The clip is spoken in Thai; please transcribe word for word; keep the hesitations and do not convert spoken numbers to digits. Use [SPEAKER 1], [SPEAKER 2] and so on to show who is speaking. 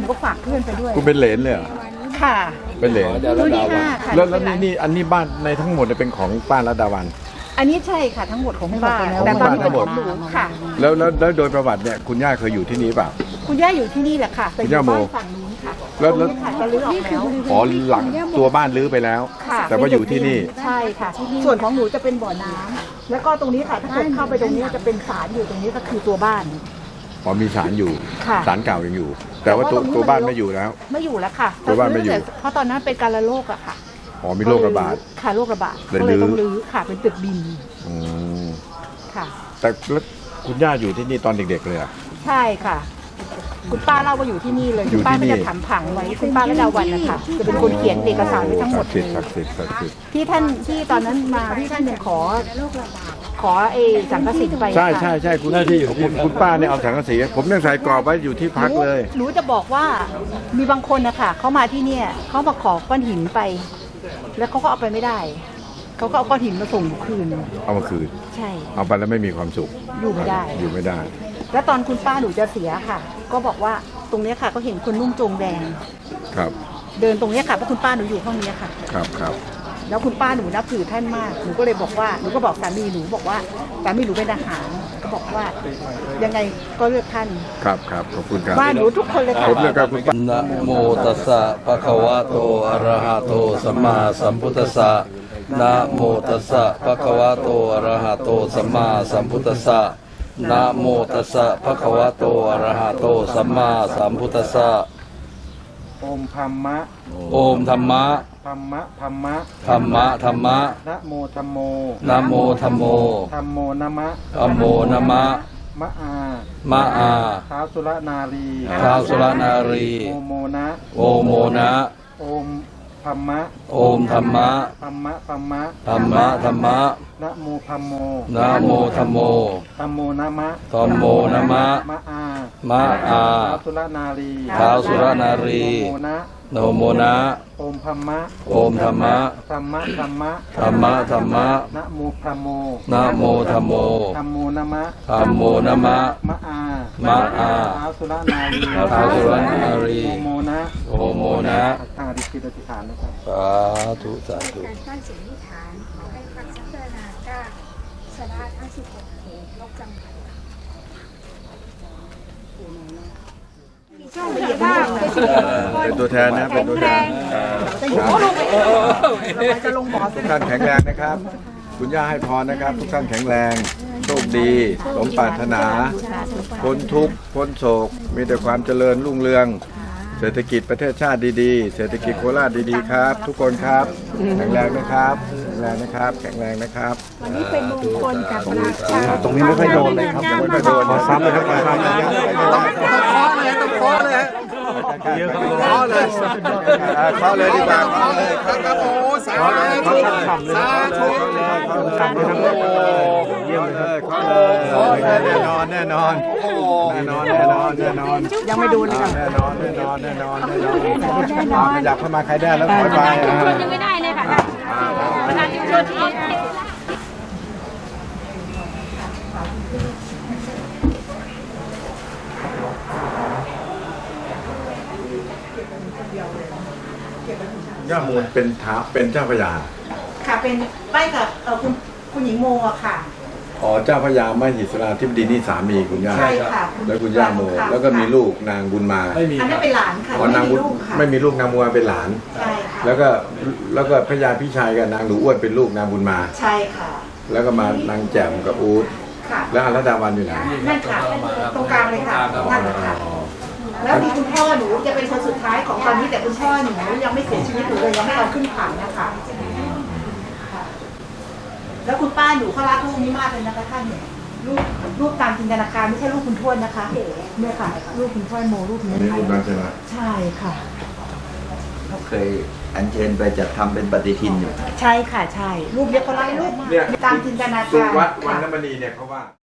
[SPEAKER 1] นูก็ฝากเพื่อนไปด้วย
[SPEAKER 2] คุณเป็นเหลนเลยเหรอ
[SPEAKER 1] ค่ะ
[SPEAKER 2] เป็นเหลน
[SPEAKER 1] รุ่นที่ห้าค่ะ
[SPEAKER 2] แล้วแล้วนี่นี่อันนี้บ้านในทั้งหมดเป็นของป้ารัตดาวัน
[SPEAKER 1] อันนี้ใช่ค่ะทั้งหมดของป้าแต่ตอนนี้เป็นของหนูค่ะ
[SPEAKER 2] แล้วแล้วแล้วโดยประวัติเนี่ยคุณย่าเคยอยู่ที่นี่เปล่า
[SPEAKER 1] คุณย่าอยู่ที่นี่แหละค่ะแต่อยู่บ้านฝั่งนู้นค่ะ
[SPEAKER 2] แล้วแล้ว
[SPEAKER 1] จะรื้อออกแล้ว
[SPEAKER 2] อ๋อหลังตัวบ้านรื้อไปแล้วแต่ว่าอยู่ที่นี่
[SPEAKER 1] ใช่ค่ะส่วนของหนูจะเป็นบ่อน้ำแล้วก็ตรงนี้ค่ะถ้าเกิดเข้าไปตรงนี้จะเป็นศาลอยู่ตรงนี้ก็คือตัวบ้าน
[SPEAKER 2] อ๋อมีศาลอยู่ศาลเก่ายังอยู่แต่ว่าตัวตัวบ้านไม่อยู่แล้ว
[SPEAKER 1] ไม่อยู่แล้วค่ะ
[SPEAKER 2] ตัวบ้านไม่อยู่
[SPEAKER 1] เพราะตอนนั้นเป็นการระโรคอะค่ะ
[SPEAKER 2] อ๋อมีโรคระบาด
[SPEAKER 1] ค่ะโรคระบาดก็เลยต้องรื้อค่ะเป็นตึกดิน
[SPEAKER 2] อืม
[SPEAKER 1] ค่ะ
[SPEAKER 2] แต่แล้วคุณย่าอยู่ที่นี่ตอนเด็กๆเลยอ่ะ
[SPEAKER 1] ใช่ค่ะคุณป้าเล่าว่าอยู่ที่นี่เลยคุณป้าก็จะถามผังไว้คุณป้าและดาวันนะคะจะเป็นคนเขียนเอกสารไว้ทั้งหมดเลยที่ท่านที่ตอนนั้นมาที่ท่านยังขอขอเอสังกะสีไป
[SPEAKER 2] ใช่ใช่ใช่คุณหน้าที่อยู่คุณคุณป้าเนี่ยเอาสังกะสีผมยังใส่กรอบไว้อยู่ที่พักเลย
[SPEAKER 1] หนูจะบอกว่ามีบางคนนะคะเขามาที่เนี่ยเขามาขอก้อนหินไปแล้วเขาก็เอาไปไม่ได้เขาก็เอาก้อนหินมาส่งคืน
[SPEAKER 2] เอามาคืน
[SPEAKER 1] ใช่
[SPEAKER 2] เอาไปแล้วไม่มีความสุข
[SPEAKER 1] อยู่ไม่ได้
[SPEAKER 2] อยู่ไม่ได้
[SPEAKER 1] แล้วตอนคุณป้าหนูจะเสียค่ะก็บอกว่าตรงนี้ค่ะก็เห็นคนนุ่งโจงแดง
[SPEAKER 2] ครับ
[SPEAKER 1] เดินตรงนี้ค่ะเพราะคุณป้าหนูอยู่ห้องนี้ค่ะ
[SPEAKER 2] ครับครับ
[SPEAKER 1] แล้วคุณป้าหนูนับถือท่านมากหนูก็เลยบอกว่าหนูก็บอกสามีหนูบอกว่าสามีหนูเป็นทหารก็บอกว่ายังไงก็เลือกท่าน
[SPEAKER 2] ครับครับขอบคุณครับ
[SPEAKER 1] บ้านหนูทุกคนเลยค่ะ
[SPEAKER 2] ผมเลือกคุณป้า
[SPEAKER 3] นะโมตัสสะภะคะวะโตอะระหะโตสัมมาสัมพุทธัสสะนะโมตัสสะภะคะวะโตอะระหะโตสัมมาสัมพุทธัสสะนะโมตัสสะภะคะวะโตอะระหะโตสัมมาสัมพุทธัสสะ
[SPEAKER 4] โอมธัมมะ
[SPEAKER 3] โอมธัมมะ
[SPEAKER 4] ธัมมะธัมมะ
[SPEAKER 3] ธัมมะธัมมะ
[SPEAKER 4] นะโมธัมโม
[SPEAKER 3] นะโมธัมโม
[SPEAKER 4] ธัมโมนะมะ
[SPEAKER 3] ธัมโมนะมะ
[SPEAKER 4] มะอาม
[SPEAKER 3] ะอา
[SPEAKER 4] ท้าวสุรนารี
[SPEAKER 3] ท้าวสุรนารี
[SPEAKER 4] โอโมนะ
[SPEAKER 3] โอโมนะ
[SPEAKER 4] โอมธัมมะ
[SPEAKER 3] โอมธัมมะ
[SPEAKER 4] ธัมมะธัมมะ
[SPEAKER 3] ธัมมะธัมมะ
[SPEAKER 4] นะโมธัมโม
[SPEAKER 3] นะโมธัมโม
[SPEAKER 4] ธัมโมนะมะ
[SPEAKER 3] ธัมโมนะมะ
[SPEAKER 4] มะอาม
[SPEAKER 3] ะอา
[SPEAKER 4] ท้าวสุรนารี
[SPEAKER 3] ท้าวสุรนารี
[SPEAKER 4] โอโมนะ
[SPEAKER 3] โนโมนะ
[SPEAKER 4] โอมธัมมะ
[SPEAKER 3] โอมธัมมะ
[SPEAKER 4] ธัมมะธัมมะ
[SPEAKER 3] ธัมมะธัมมะ
[SPEAKER 4] นะโมธัมโม
[SPEAKER 3] นะโมธัมโม
[SPEAKER 4] ธัมโมนะมะ
[SPEAKER 3] ธัมโมนะมะ
[SPEAKER 4] มะอาม
[SPEAKER 3] ะอา
[SPEAKER 4] ท้าวสุรนารี
[SPEAKER 3] ท้าวสุรนารี
[SPEAKER 4] โอโมนะ
[SPEAKER 3] โอโมนะ
[SPEAKER 4] ทางอธิษฐานอธิษฐานนะครับ
[SPEAKER 3] สาธุสาธุ
[SPEAKER 5] การตั้งสิ่งที่ฐานขอให้พักสักเจนาก้าสระทั้งสิบหกเหตุโรคจำกัด
[SPEAKER 2] เป็นตัวแทนนะเป็นตัวแทน
[SPEAKER 1] จะลงบ่อ
[SPEAKER 2] ทุกท่านแข็งแรงนะครับคุณย่าให้พรนะครับทุกท่านแข็งแรงโชคดีสมปรารถนาพ้นทุกข์พ้นโศกมีแต่ความเจริญรุ่งเรืองเศรษฐกิจประเทศชาติดีๆเศรษฐกิจโคราชดีๆครับทุกคนครับแข็งแรงนะครับแข็งแรงนะครับแข็งแรงนะครับ
[SPEAKER 1] วันนี้เป็นมงคลกับราชา
[SPEAKER 2] ตรงนี้ไม่ค่อยโดนเลยครับไม่ค่อยโดนซ้ำเลยครับซ้ำเลย
[SPEAKER 4] ต้องเคาะเลยต้องเคาะเลยเคาะเลย
[SPEAKER 2] เคาะเลยดีกว่าเคาะเลย
[SPEAKER 4] ครับโอ้สาธุสาธุ
[SPEAKER 2] เคาะเลยเยี่ยมเลยเคาะเลยแน่นอนแน่นอนแน่นอนแน่นอนแน่นอน
[SPEAKER 1] ยังไม่ดูเลยค่ะ
[SPEAKER 2] แน่นอนแน่นอนแน่นอนแน่นอนอยากเข้ามาใครได้แล้วขอไป
[SPEAKER 5] ยังไม่ได้เลยค่ะประธานชุมชนที่
[SPEAKER 2] ย่ามูลเป็นท้าเป็นเจ้าพระยา
[SPEAKER 1] ค่ะเป็นใกล้กับคุณคุณหญิงโมอะค่ะ
[SPEAKER 2] อ๋อเจ้าพระยามหิสราธิบดีนี่สามีคุณย่า
[SPEAKER 1] ใช่ค่ะ
[SPEAKER 2] แล้วคุณย่าโมแล้วก็มีลูกนางบุญมา
[SPEAKER 1] อันนั้นเป็นหลานค่ะ
[SPEAKER 2] อ๋อนางบุญไม่มีลูกนางบุญมาเป็นหลาน
[SPEAKER 1] ใช่ค่ะ
[SPEAKER 2] แล้วก็แล้วก็พระยาพี่ชายกับนางหนูอ้วนเป็นลูกนางบุญมา
[SPEAKER 1] ใช่ค่ะ
[SPEAKER 2] แล้วก็มานางแจ่มกับอู๊ดแล้วอรัตดาวันอยู่ไหน
[SPEAKER 1] นั่นค่ะตรงกลางเลยค่ะนั่นค่ะแล้วมีคุณพ่อหนูจะเป็นคนสุดท้ายของตอนนี้แต่คุณพ่อหนูยังไม่เสียชีวิตหนูเลยยังไม่เอาขึ้นผังนะคะแล้วคุณป้าหนูเขารักลูกนี้มากเลยนะคะท่านเนี่ยลูกลูกตามจินตนาการไม่ใช่ลูกคุณทวดนะคะเนี่ยค่ะลูกคุณทวดโมลูกนี้
[SPEAKER 2] นี่คุณบ้านใช่ไหม
[SPEAKER 1] ใช่ค่ะ
[SPEAKER 6] เราเคยอัญเชิญไปจัดทำเป็นปฏิทินอยู่
[SPEAKER 1] ใช่ค่ะใช่รูปเนี้ยเขารักลูกมากตามจินตนาการ
[SPEAKER 2] วัดวันน้ำมณีเนี่ยเขาว่า